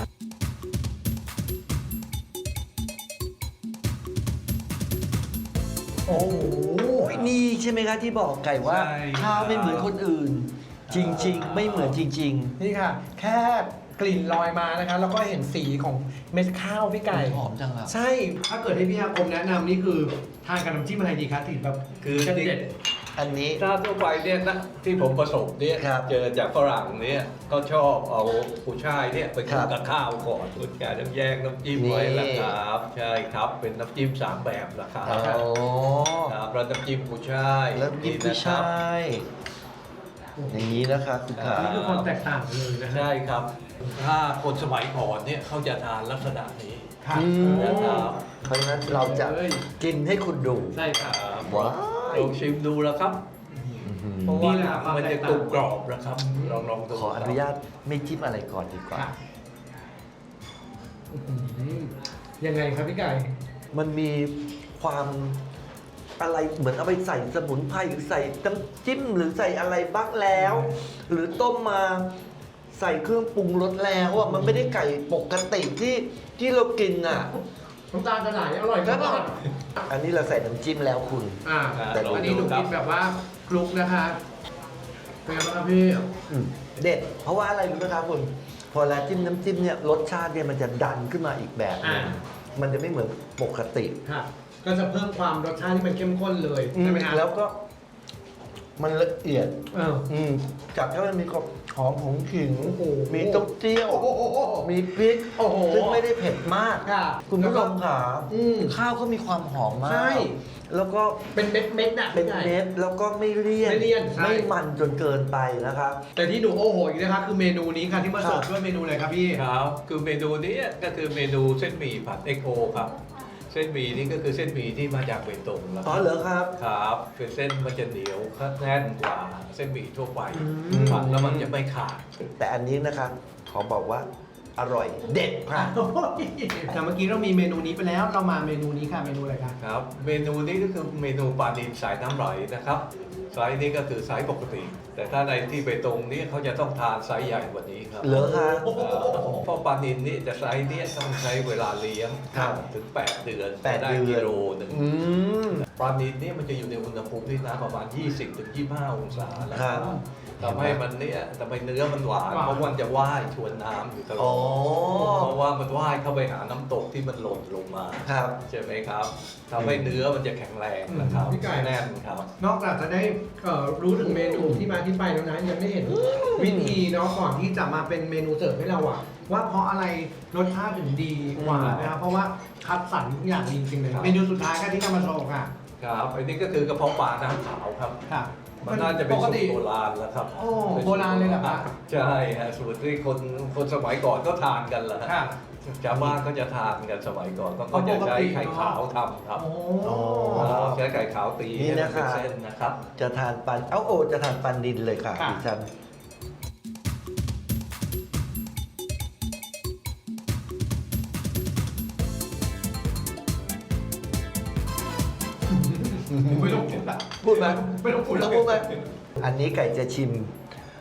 [SPEAKER 4] โอ้โหนี่ใช่ไหมคะที่บอกไก่ว่า
[SPEAKER 1] ใช่
[SPEAKER 4] ข้าวไม่เหมือนคนอื่น จริง ๆ ไม่เหมือนจริง
[SPEAKER 7] นี่ค่ะ แค่กลิ่นลอยมานะคะ แล้วก็เห็นสีของเม็ดข้าวพี่
[SPEAKER 4] ๆ
[SPEAKER 7] ไก่
[SPEAKER 4] หอมจังครับ
[SPEAKER 7] ใช่ ถ้าเกิดให้พี่อาคมแนะนำนี่คือทานกับน้ำจิ้มอะไรดีคะถึงแบบ
[SPEAKER 1] คือ
[SPEAKER 7] จะเด็ด
[SPEAKER 4] อันนี้
[SPEAKER 1] ถ้าทั่วไปเนี่ยนะที่ผมประสบเนี่ย
[SPEAKER 4] ครับ
[SPEAKER 1] เจอจากฝรั่งเนี่ยก็ชอบเอากุยช่ายเนี่ยไปคลุ
[SPEAKER 4] ครั
[SPEAKER 1] ก
[SPEAKER 4] บ
[SPEAKER 1] กับข้าวก่อนคุณแกต้องแยกน้ำจิ้มไว้ละครับ ใช่ครับเป็นน้ำจิ้มสามแบบนะครับ
[SPEAKER 4] โอ้
[SPEAKER 1] ครับแล้วน้ำจิ้มกุยช่าย
[SPEAKER 4] แล้วกินกุ้ยช่ายอย่างนี้นะคะคุณขา
[SPEAKER 7] นี่คือความแตกต่างกันเลยนะฮะ
[SPEAKER 1] ใช่ครับ ถ้าคนสมัยก่อนเนี่ยเขาจะทานลักษณะนี้
[SPEAKER 7] ค่ะ
[SPEAKER 4] อืม
[SPEAKER 1] นะครับ
[SPEAKER 4] เพราะฉะนั้นเราจะ
[SPEAKER 7] เอ้ย
[SPEAKER 4] กินให้คุณดู
[SPEAKER 7] ใช่ค่ะ
[SPEAKER 4] ว้าว
[SPEAKER 1] ลองชิมดูแล้วครับเพราะ
[SPEAKER 7] นี่
[SPEAKER 1] ว่า
[SPEAKER 7] แหละ
[SPEAKER 1] มันจะกรุบกรอบนะครับลองลองดู
[SPEAKER 4] ขออนุญาตไม่จิ้มอะไรก่อนดีกว่า
[SPEAKER 7] ค่ะอื้อหือยังไงครับพี่ไก่
[SPEAKER 4] มันมีความอะไรเหมือนเอาไปใส่สมุนไพรหรือใส่น้ำจิ้มหรือใส่อะไรบ้างแล้ว หรือต้มมาใส่เครื่องปรุงรสแล้วอ่ะมันไม่ได้ไก่ปกติที่ที่เรากินอ่ะ
[SPEAKER 7] น้ำตาลจะไหลอร่อย
[SPEAKER 4] แล้วก็
[SPEAKER 7] มาก
[SPEAKER 4] อันนี้เราใส่น้ำจิ้มแล้วคุณ
[SPEAKER 7] อ่า
[SPEAKER 4] แต่
[SPEAKER 7] อันนี้หนูกินแบบว่าคลุกนะคะเป็นไงบ้างครับพี่
[SPEAKER 4] อืมเด็ด เพราะว่าอะไรรู้ไหมครับคุณ พอแล้วจิ้มน้ำจิ้มเนี่ยรสชาติเนี่ยมันจะดันขึ้นมาอีกแบบหนึง
[SPEAKER 7] อ่า
[SPEAKER 4] มันจะไม่เหมือนปกติ
[SPEAKER 7] ค่ะ ก็จะเพิ่มความรสชาติที่มันเข้มข้นเลย
[SPEAKER 4] อื
[SPEAKER 7] ใช่
[SPEAKER 4] ม
[SPEAKER 7] ไหมฮะ
[SPEAKER 4] แล้วก็มันละเอียด
[SPEAKER 7] เออ
[SPEAKER 4] อืมจากที่มันมีความหอมของขิง
[SPEAKER 7] โอ้โห
[SPEAKER 4] มีเต้าเจี้ยว
[SPEAKER 7] โอ้โห
[SPEAKER 4] มีพริก
[SPEAKER 7] โอ้โห
[SPEAKER 4] ซึ่งไม่ได้เผ็ดมาก
[SPEAKER 7] ค่ะ
[SPEAKER 4] คุณผู้ชมค่ะ
[SPEAKER 7] อืม
[SPEAKER 4] ข้าวก็มีความหอมมาก
[SPEAKER 7] ใช่
[SPEAKER 4] แล้วก็
[SPEAKER 7] เป็นเม็ดเม็ดๆน่ะ
[SPEAKER 4] เป็น
[SPEAKER 7] พี่ไก่
[SPEAKER 4] เม็ดแล้วก็ไม่เลี่ยน
[SPEAKER 7] ไม่เลี่ยนใช่
[SPEAKER 4] ไม่มันจนเกินไปนะครับ
[SPEAKER 7] แต่ที่หนูโอ้โหอีกนะคะคือเมนูนี้ค่ะที่มาเสิร์ฟ
[SPEAKER 4] ครับ
[SPEAKER 7] ด้วยเมนูอะไรครับพี่
[SPEAKER 1] ครับคือเมนูนี้ก็คือเมนูเส้นหมี่ผัดเอ็กโอครับ เส้นหมี่นี่ก็คือเส้นหมี่ที่มาจากเบตงแล้ว
[SPEAKER 4] อ๋อเหรอครับ
[SPEAKER 1] ครับ เป็นเส้นมันจะเหนียวแน่นกว่าเส้นหมี่ทั่วไป
[SPEAKER 4] ม
[SPEAKER 1] ผัดแล้วมันจะไม่ขาด
[SPEAKER 4] แต่อันนี้นะครับขอบอกว่าอร่อยเด็ดค่ะ
[SPEAKER 7] แต่เมื่อกี้เรามีเมนูนี้ไปแล้ว เรามาเมนูนี้ค่ะ เมนูอะไรคะ
[SPEAKER 1] ครับ เมนูนี้ก็คือเมนูปลาดินสายน้ำไหลนะครับไซส์นี้ก็คือไซส์ปกติ แต่ถ้าในที่เบตงนี้เขาจะต้องทานไซส์ใหญ่กว่านี้ครับ
[SPEAKER 4] เหรอคะ
[SPEAKER 1] เอ่อเพราะปลาดินนี่จะไซส์เนี้ต้องใช้เวลาเลี้ยง
[SPEAKER 4] ครับ
[SPEAKER 1] ถึง แปด เดือน
[SPEAKER 4] แปด
[SPEAKER 1] ได้
[SPEAKER 4] เดือน
[SPEAKER 1] กิโลหนึ่ง
[SPEAKER 4] อืม
[SPEAKER 1] ปลาดินนี่มันจะอยู่ในอุณหภูมิที่น้ำประมาณ ยี่สิบถึงยี่สิบห้า องศานะ
[SPEAKER 4] ค
[SPEAKER 1] ค
[SPEAKER 4] รั
[SPEAKER 1] รั
[SPEAKER 4] บบ
[SPEAKER 1] ทำให้มันเนี่ยทำให้เนื้อมันหวาน
[SPEAKER 7] หวาน
[SPEAKER 1] เพราะมันจะว่ายชวนน้ำอยู่ตล
[SPEAKER 4] อ๋
[SPEAKER 1] อ
[SPEAKER 4] อ
[SPEAKER 1] ดเพราะว่ามันว่ายเข้าไปหาน้ำตกที่มันหล่นลงมา
[SPEAKER 4] ครับ
[SPEAKER 1] ใช่ไหมครับทำให้เนื้อมันจะแข็งแรงนะครับ
[SPEAKER 7] พี่ไก่
[SPEAKER 1] แน่นครับ
[SPEAKER 7] นอกจากจะได้เอ่อรู้ถึงเมนูที่มาที่ไปแล้วนะยังไม่เห็นวิธีเนาะก่อนที่จะมาเป็นเมนูเสิร์ฟให้เราอะว่าเพราะอะไรรสชาติถึงดีกว่านะครับเพราะว่าคัดสรรทุกอย่างดีจริงๆเลย
[SPEAKER 1] ครับ
[SPEAKER 7] เมนูสุดท้ายค่ะที่นำมาโชว์ค่ะ
[SPEAKER 1] ครับอันนี้ก็คือกระเพาะปลาน้ำขาวครับ
[SPEAKER 7] ค่ะ
[SPEAKER 1] มันน่าจะเป็น
[SPEAKER 7] ปก
[SPEAKER 1] สูต
[SPEAKER 7] ติ
[SPEAKER 1] รโบราณแล้วครับ
[SPEAKER 7] โอ้โบราณเลยเหรอคะ
[SPEAKER 1] ใช่ฮะสูตรที่คนคนสมัยก่อนก็ทานกันแหละ
[SPEAKER 7] ค่ะ
[SPEAKER 1] ชาวบ้านก็จะทานกันสมัยก่อนก็ก็จะใช้ไข่ขาวทำครับ
[SPEAKER 7] โอ้
[SPEAKER 4] อ๋อ
[SPEAKER 1] ครับใช้ไข่ขาวตี
[SPEAKER 4] นี่
[SPEAKER 1] ให้
[SPEAKER 4] นะ
[SPEAKER 1] มันเป็น
[SPEAKER 4] คะ
[SPEAKER 1] เส้นนะครับ
[SPEAKER 4] จะทานปัน เอ้าโอจะทานปันดินเลยค่ะ
[SPEAKER 7] ค่ะ
[SPEAKER 4] ดิฉัน
[SPEAKER 7] ไม่ต้องพูดละ
[SPEAKER 4] พูดไหม
[SPEAKER 7] ไม่ต้องพูด
[SPEAKER 4] ต้องพูดไหมอันนี้ไก่จะชิม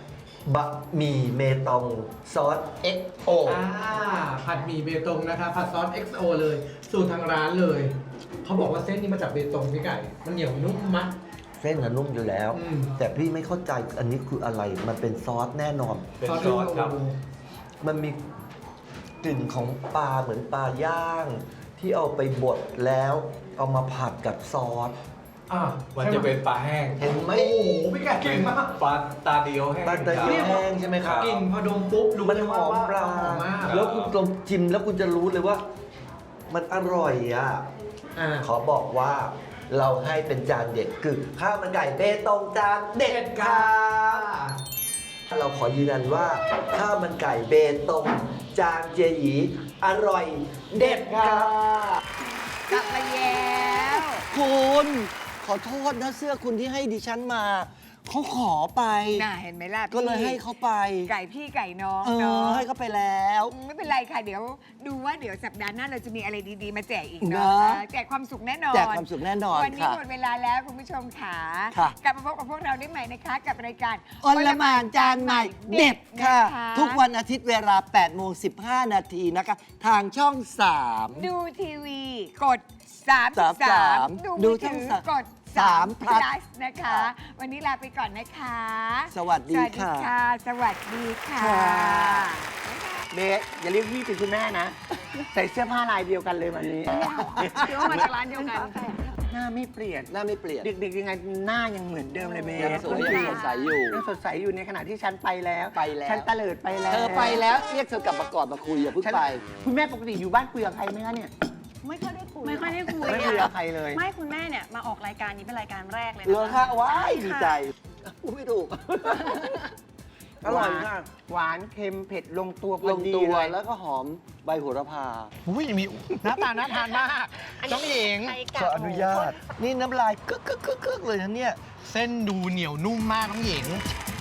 [SPEAKER 4] บะหมี่เมตองซอส เอ็กซ์ โอ
[SPEAKER 7] อ่าผัดหมี่เบตงนะคะผัดซอส เอ็กซ์ โอ เลย สูตรทางร้านเลย เขาบอกว่าเส้นนี้มาจากเบตงพี่ไก่ มันเหนียวนุ่มมาก
[SPEAKER 4] เส้นน่ะนุ่มอยู่แล้ว
[SPEAKER 7] อืม
[SPEAKER 4] แต่พี่ไม่เข้าใจอันนี้คืออะไร มันเป็นซอสแน่นอน
[SPEAKER 8] เป็นซอสครับ
[SPEAKER 4] มันมีกลิ่นของปลาเหมือนปลาย่าง ที่เอาไปบดแล้วเอามาผัดกับซอส
[SPEAKER 7] อ่ะ
[SPEAKER 8] มันจะเป็นปลาแห้ง
[SPEAKER 4] เห็นไหม
[SPEAKER 7] โอ้โหพี่ไก่เก่งมาก
[SPEAKER 8] ปลาตาเดียวแห้ง
[SPEAKER 4] ปลาตะเกียบ
[SPEAKER 8] ค
[SPEAKER 4] แห้
[SPEAKER 8] รับ
[SPEAKER 4] งใช่ไหมครับ
[SPEAKER 7] กลิ่นพอดมปุ๊บรู้
[SPEAKER 4] มัน
[SPEAKER 7] เลย
[SPEAKER 4] ห
[SPEAKER 7] ว่า
[SPEAKER 4] อมปลา
[SPEAKER 7] หอมมาก
[SPEAKER 4] แล้วคุณลองชิมแล้วคุณจะรู้เลยว่า มันอร่อยอ่ะ
[SPEAKER 7] อ่า
[SPEAKER 4] ขอบอกว่าเราให้เป็นจานเด็ดคือข้าวมันไก่เบตงจานเด็ดค่ะเราขอยืนยันว่าข้าวมันไก่เบตงจานเจหยีอร่อยเด็ดค่ะ
[SPEAKER 3] กลับมาแล้ว
[SPEAKER 9] คุณขอโทษนะเสื้อคุณที่ให้ดิฉันมาเขาขอไป
[SPEAKER 3] น่าเห็นไหมล่ะ
[SPEAKER 9] ก็เลย
[SPEAKER 3] พี่
[SPEAKER 9] ให้เขาไป
[SPEAKER 3] ไก่พี่ไก่น้อง
[SPEAKER 9] เอ
[SPEAKER 3] เนา
[SPEAKER 9] อะ ให้เขาไปแล้ว
[SPEAKER 3] ไม่เป็นไรค่ะ เดี๋ยวดูว่าเดี๋ยวสัปดาห์หน้าเราจะมีอะไรดีๆ มาแจกอีก
[SPEAKER 9] นะ
[SPEAKER 3] เนาะแจกความสุขแน่นอน
[SPEAKER 9] แจกความสุขแน่นอน
[SPEAKER 3] วันนี้
[SPEAKER 9] ค่ะ
[SPEAKER 3] หมดเวลาแล้วคุณผู้ชมค่ะ
[SPEAKER 9] ค่ะ
[SPEAKER 3] กลับมาพบกับพวกเราได้ใหม่นะคะ กับรายการ
[SPEAKER 9] อลหมานจานใหม่เด็ดค่ะ
[SPEAKER 3] น
[SPEAKER 9] ทุกวันอาทิตย์เวลาแปดโมงสิบห้านาทีนะคะ ทางช่อง สาม
[SPEAKER 3] ดูทีวีกดสาม
[SPEAKER 9] สามสาม
[SPEAKER 3] ดู
[SPEAKER 9] ดู
[SPEAKER 3] มือ
[SPEAKER 9] ช่
[SPEAKER 3] ถื
[SPEAKER 9] อง
[SPEAKER 3] อ
[SPEAKER 9] สาม
[SPEAKER 3] กด
[SPEAKER 9] สาม
[SPEAKER 3] พ
[SPEAKER 9] plus
[SPEAKER 3] ลัสนะคะ วันนี้ลาไปก่อนนะคะ
[SPEAKER 9] สวัสดี
[SPEAKER 3] สวัสดี
[SPEAKER 9] ค่ะ
[SPEAKER 3] ค่ะ สวัสดีค่ะ
[SPEAKER 9] ค่ะ
[SPEAKER 5] เบสอย่าเรียกพี่เป็นคุณแม่นะ ใส่เสื้อผ้าลายเดียวกันเลยวันนี้
[SPEAKER 3] เดี๋ยวมาจากร้านเดียวกัน
[SPEAKER 5] หน้าไม่เปลี่ยน
[SPEAKER 9] หน้าไม่เปลี่ยน
[SPEAKER 5] เด็กๆยังไงหน้ายังเหมือนเดิมเลยเบส
[SPEAKER 9] ยังสวยยังสดใสอยู่
[SPEAKER 5] ยังสดใสอยู่ในขณะที่ฉันไปแล้ว
[SPEAKER 9] ไปแล้ว
[SPEAKER 5] ฉันตะเลิดไปแล้ว
[SPEAKER 9] เธอไปแล้วเรียกเธอกลับมาก่อนมาคุยอย่าเพิ่ง
[SPEAKER 5] ฉัน
[SPEAKER 9] ไป
[SPEAKER 5] คุณแม่ปกติอยู่บ้านคุยกับใครไหมคะเนี่ย
[SPEAKER 10] ไม่ค่อยได้คุย
[SPEAKER 11] ไม่ค่อยได้คุย
[SPEAKER 5] ไม่คุยกับใครเลย
[SPEAKER 11] ไม่คุณแม่เนี่ยมาออกรายการนี้เป็นรายการแรกเลย
[SPEAKER 9] เหรอ
[SPEAKER 11] นะ
[SPEAKER 9] คะ
[SPEAKER 11] คะ
[SPEAKER 9] ว้ายดี
[SPEAKER 11] ค่ะ
[SPEAKER 9] ใจพูดไม่ถูก อร่อยมาก
[SPEAKER 5] หวานเค็มเผ็ดลงตัวพ
[SPEAKER 9] ล
[SPEAKER 5] อง ดี
[SPEAKER 9] ตัว
[SPEAKER 5] เลย
[SPEAKER 9] แล้วก็หอมใบโหระพา
[SPEAKER 5] อุ้ยมีหน้าตาน่าทานมากน้องหญิง
[SPEAKER 9] ขออนุญาต นี่น้ำลายกึกกึกกึกกึกเลยนะเนี่ย
[SPEAKER 5] เส้นดูเหนียวนุ่มมากน้องหญิง